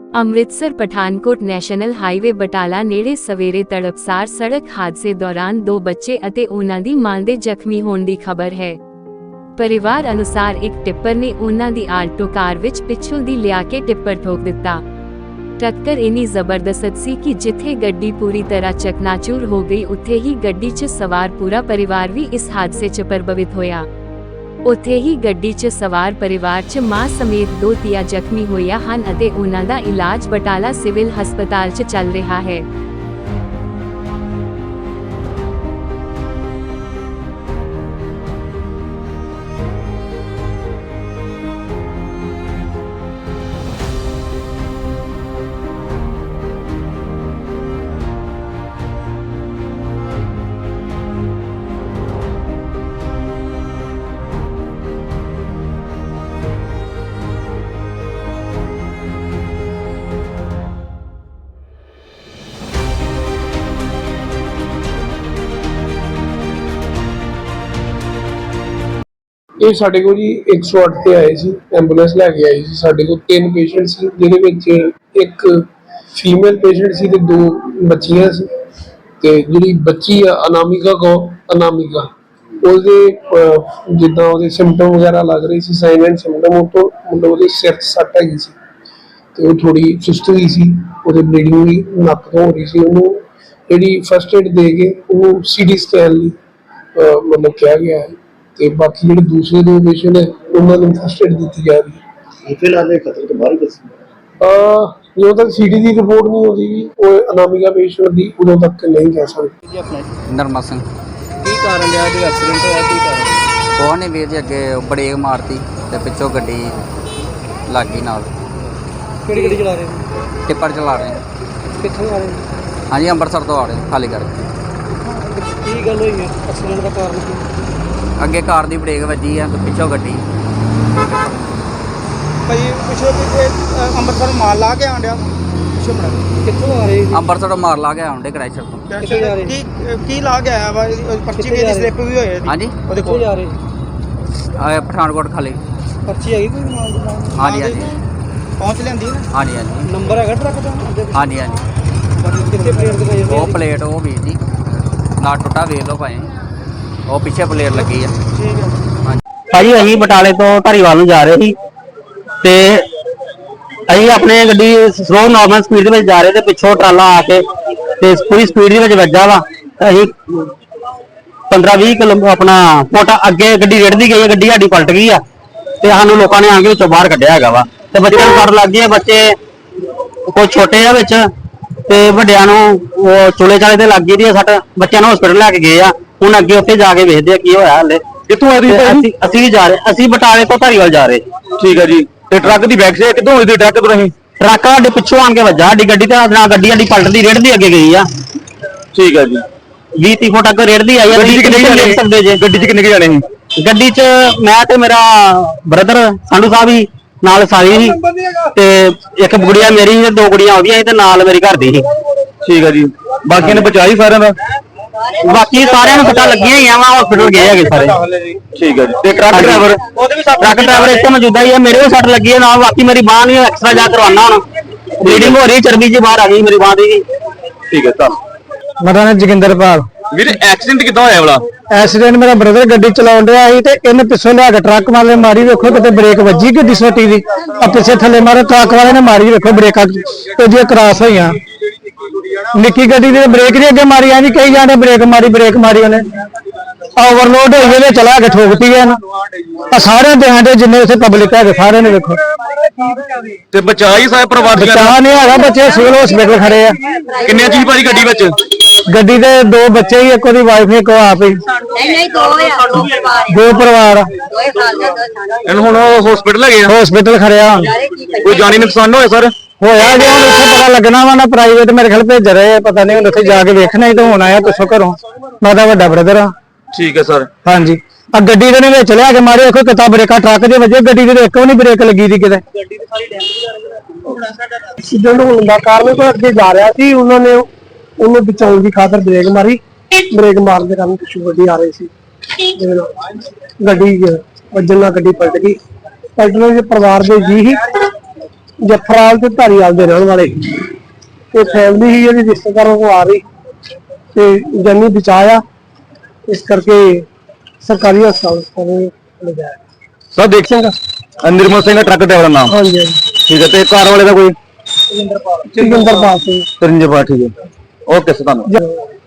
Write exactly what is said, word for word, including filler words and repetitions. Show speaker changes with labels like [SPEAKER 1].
[SPEAKER 1] Amritsar Pathankot national highway Batala ਨੇੜੇ ਸਵੇਰੇ ਤੜਪਸਾਰ ਸੜਕ ਹਾਦਸੇ ਦੌਰਾਨ ਦੋ ਬੱਚੇ ਅਤੇ ਉਹਨਾਂ ਦੀ ਮਾਂ ਦੇ ਜ਼ਖਮੀ ਹੋਣ ਦੀ ਖਬਰ ਹੈ। ਪਰਿਵਾਰ ਅਨੁਸਾਰ ਇੱਕ ਟਿੱਪਰ ਨੇ ਉਹਨਾਂ ਦੀ ਆਲਟੋ ਕਾਰ ਵਿੱਚ ਪਿੱਛੋਂ ਦੀ ਲਿਆ ਕੇ ਟਿੱਪਰ ਠੋਕ ਦਿੱਤਾ। ਟੱਕਰ ਇੰਨੀ ਜ਼ਬਰਦਸਤ ਸੀ ਕਿ ਜਿੱਥੇ ਗੱਡੀ ਪੂਰੀ ਤਰ੍ਹਾਂ ਚਕਨਾਚੂਰ ਹੋ ਗਈ, ਉੱਥੇ ਹੀ ਗੱਡੀ 'ਚ ਸਵਾਰ ਪੂਰਾ ਪਰਿਵਾਰ ਵੀ ਇਸ ਹਾਦਸੇ 'ਚ ਪ੍ਰਭਾਵਿਤ ਹੋਇਆ। ਉੱਥੇ ਹੀ ਗੱਡੀ 'ਚ ਸਵਾਰ ਪਰਿਵਾਰ 'ਚ ਮਾਂ ਸਮੇਤ ਦੋ ਧੀਆਂ ਜ਼ਖਮੀ ਹੋਈਆਂ ਹਨ ਅਤੇ ਉਹਨਾਂ ਦਾ ਇਲਾਜ ਬਟਾਲਾ ਸਿਵਲ ਹਸਪਤਾਲ 'ਚ ਚੱਲ ਰਿਹਾ ਹੈ।
[SPEAKER 2] ਇਹ ਸਾਡੇ ਕੋਲ ਜੀ एक सौ आठ ਤੇ ਆਏ ਸੀ, ਐਂਬੂਲੈਂਸ ਲੈ ਕੇ ਆਈ ਸੀ। ਸਾਡੇ ਕੋਲ ਤਿੰਨ ਪੇਸ਼ੈਂਟ ਸੀ, ਜਿਹਦੇ ਵਿੱਚ ਇੱਕ ਫੀਮੇਲ ਪੇਸ਼ੈਂਟ ਸੀ ਤੇ ਦੋ ਬੱਚੀਆਂ ਸੀ। ਤੇ ਜਿਹੜੀ ਬੱਚੀ ਆ ਅਨਾਮਿਕਾ ਕੋ ਅਨਾਮਿਕਾ ਉਹਦੇ ਜਿੱਦਾਂ ਉਹਦੇ ਸਿੰਪਟਮ ਵਗੈਰਾ ਲੱਗ ਰਹੇ ਸੀ, ਸਾਈਨ ਐਂਡ ਸਿੰਪਟਮ, ਉਹ ਤੋਂ ਮਤਲਬ ਉਹਦੇ ਸਿਰ 'ਚ ਸੱਟ ਹੈਗੀ ਸੀ ਤੇ ਉਹ ਥੋੜੀ ਸੁਸਤ ਹੋਈ ਸੀ। ਉਹਦੇ ਬਲੀਡਿੰਗ ਵੀ ਨੱਕ ਤੋਂ ਹੋ ਰਹੀ ਸੀ। ਉਹਨੂੰ ਜਿਹੜੀ ਫਸਟ ਏਡ ਦੇ ਕੇ ਉਹਨੂੰ ਸੀ ਟੀ ਸਕੈਨ ਲਈ ਮਤਲਬ ਕਿਹਾ ਗਿਆ ਹੈ। ਤੇ ਬਾਕੀ ਜਿਹੜੇ ਦੂਸਰੇ ਦੋ ਪੇਸ਼ੈਂਟ ਹੈ ਉਹਨਾਂ ਨੂੰ ਫਸਟ ਏਡ ਦਿੱਤੀ ਜਾ ਰਹੀ ਹੈ।
[SPEAKER 3] ਫਿਲਹਾਲ ਇਹ ਖਤਰੇ ਤੋਂ ਬਾਹਰ ਦੱਸੀ
[SPEAKER 2] ਆ ਜਦੋਂ ਤੱਕ ਸੀਟੀ ਦੀ ਰਿਪੋਰਟ ਨਹੀਂ ਹੋਦੀ ਉਹ ਅਨਾਮਿਕਾ ਪੇਸ਼ੈਂਟ ਦੀ ਉਦੋਂ ਤੱਕ ਨਹੀਂ ਕਹਿ ਸਕਦੇ।
[SPEAKER 4] ਨਰਮਾ ਸਿੰਘ
[SPEAKER 3] ਕੀ ਕਾਰਨ ਰਿਹਾ ਜੋ ਐਕਸੀਡੈਂਟ ਹੋਇਆ, ਕੀ ਕਾਰਨ?
[SPEAKER 4] ਕੋਹ ਨੇ ਵੀਰ ਜੀ ਅੱਗੇ ਬ੍ਰੇਕ ਮਾਰਤੀ ਤੇ ਪਿੱਛੋਂ ਗੱਡੀ ਲੱਗ ਗਈ ਨਾਲ।
[SPEAKER 3] ਕਿਹੜੀ ਗੱਡੀ ਚਲਾ ਰਹੇ ਹੋ?
[SPEAKER 4] ਟਿੱਪਰ ਚਲਾ ਰਹੇ
[SPEAKER 3] ਕਿੱਥੋਂ ਆ ਰਹੇ ਹੋ?
[SPEAKER 4] ਹਾਂਜੀ ਅੰਮ੍ਰਿਤਸਰ ਤੋਂ ਆ ਰਹੇ ਖਾਲੀ ਕਰਕੇ।
[SPEAKER 3] ਕੀ ਗੱਲ ਹੋਈ ਹੈ? ਐਕਸੀਡੈਂਟ ਦਾ ਕਾਰਨ ਕੀ?
[SPEAKER 4] ਅੱਗੇ ਕਾਰ ਦੀ ਬ੍ਰੇਕ ਵੱਜੀ ਆ ਤੇ ਪਿੱਛੋਂ ਗੱਡੀ।
[SPEAKER 3] ਭਾਈ ਪਿੱਛੋਂ ਕਿਤੇ ਅੰਮ੍ਰਿਤਸਰ ਮਾਲ ਲਾ ਕੇ ਆਂਡਿਆ ਪਿੱਛੋਂ ਬੜਾ ਕਿੱਥੋਂ ਆ ਰਹੇ?
[SPEAKER 4] ਅੰਮ੍ਰਿਤਸਰ ਤੋਂ ਮਾਰ ਲਾ ਕੇ ਆਉਂਦੇ ਕ੍ਰੈਸ਼ਰ ਤੋਂ।
[SPEAKER 3] ਕਿੱਥੇ ਜਾ ਰਹੇ? ਕੀ ਕੀ ਲਾ ਕੇ ਆਇਆ ਵਾ? ਪਰਚੀ ਵੀ ਸਲਿੱਪ ਵੀ ਹੋਈ ਹੈ।
[SPEAKER 4] ਹਾਂਜੀ
[SPEAKER 3] ਉਹਦੇ ਕੋਲ ਜਾ ਰਹੇ
[SPEAKER 4] ਆ ਪਠਾਨਕੋਟ ਖਾਲੀ
[SPEAKER 3] ਪਰਚੀ ਹੈਗੀ ਕੋਈ ਮਾਲ ਦੀ?
[SPEAKER 4] ਹਾਂਜੀ ਹਾਂਜੀ
[SPEAKER 3] ਪਹੁੰਚ ਲੈਂਦੀ ਨਾ?
[SPEAKER 4] ਹਾਂਜੀ ਹਾਂਜੀ
[SPEAKER 3] ਨੰਬਰ ਹੈਗਾ ਟਰੱਕ ਦਾ?
[SPEAKER 4] ਹਾਂਜੀ ਹਾਂਜੀ
[SPEAKER 3] ਕਿੱਥੇ ਪਲੇਟ ਦਿਖਾਈ ਜਾਂਦੀ?
[SPEAKER 4] ਉਹ ਪਲੇਟ ਉਹ ਵੀਰ ਜੀ ਨਾ ਟੁੱਟਾ ਵੇਖ ਲਓ ਭਾਈ, ਉਹ ਪਿੱਛੇ ਪਲੇਟ ਲੱਗੀ ਆ।
[SPEAKER 3] ਠੀਕ ਹੈ
[SPEAKER 5] ਭਾਜੀ ਅਸੀਂ ਬਟਾਲੇ ਤੋਂ ਧਾਰੀਵਾਲ ਨੂੰ ਜਾ ਰਹੇ ਸੀ ਤੇ ਅਸੀਂ ਆਪਣੇ ਗੱਡੀ ਸਲੋ ਨਾਰਮਲ ਸਪੀਡ ਦੇ ਵਿੱਚ ਜਾ ਰਹੇ ਤੇ ਪਿੱਛੋਂ ਟਰਾਲਾ ਆ ਕੇ ਤੇ ਪੂਰੀ ਸਪੀਡ ਦੇ ਵਿੱਚ ਵੱਜਾ ਵਾ। ਅਸੀਂ ਪੰਦਰਾਂ ਵੀਹ ਕਿਲੋ ਆਪਣਾ ਫੁੱਟ ਅੱਗੇ ਗੱਡੀ ਰੇੜਦੀ ਗਈ ਹੈ, ਗੱਡੀ ਸਾਡੀ ਪਲਟ ਗਈ ਆ ਤੇ ਸਾਨੂੰ ਲੋਕਾਂ ਨੇ ਆ ਕੇ ਵਿੱਚੋਂ ਬਾਹਰ ਕੱਢਿਆ ਹੈਗਾ ਵਾ। ਤੇ ਬੱਚਿਆਂ ਨੂੰ ਸੱਟ ਲੱਗ ਗਈ ਹੈ, ਬੱਚੇ ਕੋਈ ਛੋਟੇ ਆ ਵਿੱਚ ਤੇ ਵੱਡਿਆਂ ਨੂੰ ਉਹ ਚੁਲੇ ਚਾਲੇ ਤੇ ਲੱਗ ਗਈ ਦੀ ਸੱਟ। ਬੱਚਿਆਂ ਨੂੰ ਹਸਪੀਟਲ ਲੈ ਕੇ ਗਏ ਆ, ਹੁਣ ਅੱਗੇ ਉੱਥੇ ਜਾ ਕੇ ਵੇਖਦੇ ਆ ਕੀ ਹੋਇਆ। ਹਲੇ
[SPEAKER 6] ਕਿੱਥੋਂ ਆ ਰਹੀ
[SPEAKER 5] ਅਸੀਂ ਅਸੀਂ ਵੀ ਜਾ ਰਹੇ, ਅਸੀਂ ਬਟਾਲੇ ਤੋਂ ਧਾਰੀਵਾਲ ਜਾ ਰਹੇ।
[SPEAKER 6] ਠੀਕ ਹੈ ਜੀ। ਤੇ ਟਰੱਕ ਦੀ ਬੈਕ ਸਾਈਡ ਕਿੱਥੋਂ ਹੋਈ ਸੀ? ਟਰੱਕ ਤੋਂ ਨਹੀਂ,
[SPEAKER 5] ਟਰੱਕ ਸਾਡੇ ਪਿੱਛੋਂ ਆਣ ਕੇ ਵੱਜਾ ਸਾਡੀ ਗੱਡੀ ਤੇ ਨਾਲ ਗੱਡੀ ਸਾਡੀ ਪਲਟਦੀ ਰੇੜਦੀ ਅੱਗੇ ਗਈ ਆ।
[SPEAKER 6] ਠੀਕ ਹੈ ਜੀ।
[SPEAKER 5] ਵੀਹ ਤੀਹ ਫੁੱਟ ਅੱਗੇ ਰੇੜਦੀ ਆਈ ਆ।
[SPEAKER 6] ਗੱਡੀ 'ਚ ਕਿੰਨੇ ਜਾਣੇ
[SPEAKER 5] ਸਕਦੇ ਜੇ?
[SPEAKER 6] ਗੱਡੀ 'ਚ ਕਿੰਨੇ ਕੁ ਜਾਣੇ ਸੀ?
[SPEAKER 5] ਗੱਡੀ 'ਚ ਮੈਂ ਤੇ ਮੇਰਾ ਬ੍ਰਦਰ ਸੰਧੂ ਸਾਹਿਬ ਹੀ ਨਾਲ ਸਾਰੀ ਸੀ ਤੇ ਇੱਕ ਗੁੜੀਆ ਮੇਰੀ ਸੀ, ਦੋ ਗੁੜੀਆਂ ਉਹਦੀਆਂ ਸੀ ਤੇ ਨਾਲ ਮੇਰੀ ਘਰ ਦੀ ਸੀ।
[SPEAKER 6] ਠੀਕ ਹੈ ਜੀ। ਬਾਕੀਆਂ ਨੇ ਬਚਾਈ ਸਾਰਿਆਂ ਦਾ?
[SPEAKER 5] ਬਾਕੀ ਸਾਰਿਆਂ ਨੂੰ ਪਤਾ ਲੱਗੀਆਂ ਹੀ ਆ, ਵਾ ਹਸਪੀਟਲ ਗਏ ਹੈਗੇ ਸਾਰੇ।
[SPEAKER 6] ਠੀਕ ਹੈ ਜੀ। ਤੇ ਟਰੱਕ ਡਰਾਈਵਰ?
[SPEAKER 5] ਟਰੱਕ ਡਰਾਈਵਰ ਇੱਥੇ ਮੌਜੂਦਾ ਹੀ ਆ, ਮੇਰੇ ਵੀ ਸੱਟ ਲੱਗੀ ਹੈ ਨਾਲ। ਬਾਕੀ ਮੇਰੀ ਬਾਂਹ ਨਹੀਂ ਐਕਸਟਰਾ ਜਾ ਕਰਵਾਉਣਾ, ਹੁਣ ਬਲੀਡਿੰਗ ਹੋ ਰਹੀ, ਚਰਬੀ ਜੀ ਬਾਹਰ ਆ ਗਈ ਮੇਰੀ ਬਾਂਹ ਦੀ।
[SPEAKER 6] ਠੀਕ ਹੈ ਤਾਂ
[SPEAKER 7] ਮੇਰਾ ਨਾਮ ਜੋਗਿੰਦਰਪਾਲ।
[SPEAKER 6] ਵੀਰ ਐਕਸੀਡੈਂਟ ਕਿੱਦਾਂ ਹੋਇਆ ਵਾਲਾ?
[SPEAKER 7] ਐਕਸੀਡੈਂਟ ਮੇਰਾ ਬ੍ਰਦਰ ਗੱਡੀ ਚਲਾਉਣ ਡਿਆ ਸੀ ਤੇ ਇਹਨੇ ਪਿੱਛੋਂ ਲਿਆ ਕੇ ਟਰੱਕ ਵਾਲੇ ਮਾਰੀ, ਵੇਖੋ ਕਿਤੇ ਬ੍ਰੇਕ ਵੱਜੀ ਗੱਡੀ ਸੋਟੀ ਦੀ ਆ ਪਿੱਛੇ ਥੱਲੇ ਮਾਰੇ। ਟਰੱਕ ਵਾਲੇ ਨੇ ਮਾਰੀ, ਵੇਖੋ ਬ੍ਰੇਕਾਂ ਉਹਦੀਆਂ ਕ੍ਰਾਸ ਹੋਈਆਂ। ਨਿੱਕੀ ਗੱਡੀ ਦੀ ਬ੍ਰੇਕ ਨਹੀਂ ਅੱਗੇ ਮਾਰੀ, ਐ ਨਹੀਂ ਕਹੀ ਜਾਂਦੇ ਬ੍ਰੇਕ ਮਾਰੀ ਬ੍ਰੇਕ ਮਾਰੀ। ਉਹਨੇ ਓਵਰਲੋਡ ਹੋਈ ਇਹਦੇ ਚਲਾ ਕੇ ਠੋਕਤੀ ਐ। ਆ ਸਾਰੇ ਦੇਹਾਂ ਦੇ ਜਿੰਨੇ ਉੱਥੇ ਪਬਲਿਕ ਹੈਗੇ ਸਾਰਿਆਂ ਨੇ ਵੇਖੋ।
[SPEAKER 6] ਤੇ ਬਚਾਈ ਸਾਰੇ ਪਰਿਵਾਰ ਦੇ?
[SPEAKER 7] ਬਚਾ ਨਹੀਂ ਹੈਗਾ, ਬੱਚੇ ਸਿਵਲ ਹਸਪੀਟਲ ਖੜੇ ਆ।
[SPEAKER 6] ਕਿੰਨੇ ਚੀਜ਼ ਭਾਜੀ ਗੱਡੀ ਵਿੱਚ?
[SPEAKER 7] ਗੱਡੀ ਦੇ ਦੋ ਬੱਚੇ ਹੀ, ਇੱਕ ਉਹਦੀ ਵਾਈਫ, ਇੱਕ ਆਪ ਹੀ।
[SPEAKER 8] ਨਹੀਂ ਨਹੀਂ ਦੋ ਆ, ਦੋ ਪਰਿਵਾਰ
[SPEAKER 7] ਦੋ ਪਰਿਵਾਰ ਆ।
[SPEAKER 8] ਦੋਏ ਸਾਲ ਦਾ ਦੋ ਸਾਲ
[SPEAKER 6] ਇਹਨੂੰ ਹੁਣ ਹਸਪੀਟਲ ਲੈ ਗਏ ਆ?
[SPEAKER 7] ਹਸਪੀਟਲ ਖੜਿਆ।
[SPEAKER 6] ਕੋਈ ਜਾਨੀ ਨੁਕਸਾਨ ਹੋਇਆ ਸਰ?
[SPEAKER 7] ਹੋਇਆ ਜੇ ਹੁਣ ਉੱਥੇ ਪਤਾ ਲੱਗਣਾ ਵਾ ਨਾ, ਪ੍ਰਾਈਵੇਟ ਮੇਰੇ ਖਿਆਲ ਭੇਜ ਰਹੇ, ਪਤਾ ਨਹੀਂ ਹੁਣ ਉੱਥੇ ਜਾ ਕੇ ਵੇਖਣਾ ਹੀ ਤਾਂ ਹੋਣਾ ਆ। ਪਿੱਛੋਂ ਘਰੋਂ ਮੈਂ ਤਾਂ ਵੱਡਾ ਬ੍ਰਦਰ ਆ।
[SPEAKER 6] ਠੀਕ ਹੈ ਸਰ।
[SPEAKER 7] ਹਾਂਜੀ ਆ ਗੱਡੀ ਦੇ ਨੇ ਵਿੱਚ ਲਿਆ ਕੇ ਮਾਰੇ, ਦੇਖੋ ਕਿਤਾ ਬ੍ਰੇਕਾਂ ਟਰੱਕ ਦੇ ਵਜੇ, ਗੱਡੀ ਦੇ ਇੱਕ ਵੀ ਨਹੀਂ ਬ੍ਰੇਕ ਲੱਗੀ ਦੀ ਕਿਤੇ। ਐਕਸੀਡੈਂਟ ਹੋਣ ਦਾ ਕਾਰਨ ਕੋਈ ਅੱਗੇ ਜਾ ਰਿਹਾ ਸੀ, ਉਹਨਾਂ ਨੇ ਉਹਨੂੰ ਬਚਾਉਣ ਦੀ ਖਾਤਰ ਬ੍ਰੇਕ ਮਾਰੀ। ਬ੍ਰੇਕ ਮਾਰਨ ਦੇ ਕਾਰਨ ਪਿੱਛੋਂ ਗੱਡੀ ਆ ਰਹੀ ਸੀ, ਗੱਡੀ ਵੱਜਣ ਨਾਲ ਗੱਡੀ ਪਲਟ ਗਈ। ਪਲਟਣ ਦੇ ਪਰਿਵਾਰ ਦੇ ਜੀ ਹੀ ਜਫਰਾਲ ਤੇ ਧਾਰੀਵਾਲ ਦੇ ਰਹਿਣ ਵਾਲੇ ਤੇ ਫੈਮਿਲੀ ਹੀ ਇਹਦੀ ਰਿਸ਼ਤੇਦਾਰਾਂ ਕੋਲ ਆ ਰਹੀ ਤੇ ਜਾਨੀ ਬਚਾਇਆ, ਇਸ ਕਰਕੇ ਸਰਕਾਰੀ ਹਸਪਤਾਲ ਲਿਜਾਇਆ।
[SPEAKER 6] ਸਰ ਦੇਖ
[SPEAKER 7] ਚੰਗਾ।
[SPEAKER 6] ਨਿਰਮਲ ਸਿੰਘ ਟਰੱਕ ਡਰਾਈਵਰ ਦਾ ਨਾਮ।
[SPEAKER 7] ਹਾਂਜੀ ਹਾਂਜੀ
[SPEAKER 6] ਠੀਕ ਹੈ, ਤੇ ਕਾਰ ਵਾਲੇ ਦਾ ਕੋਈ
[SPEAKER 7] ਜੋਗਿੰਦਰਪਾਲ ਸਿੰਘ।
[SPEAKER 6] ਤਰਿੰਜਪਾਲ। ਠੀਕ ਹੈ, ਓਕੇ ਸਰ, ਧੰਨਵਾਦ।
[SPEAKER 7] ਜ-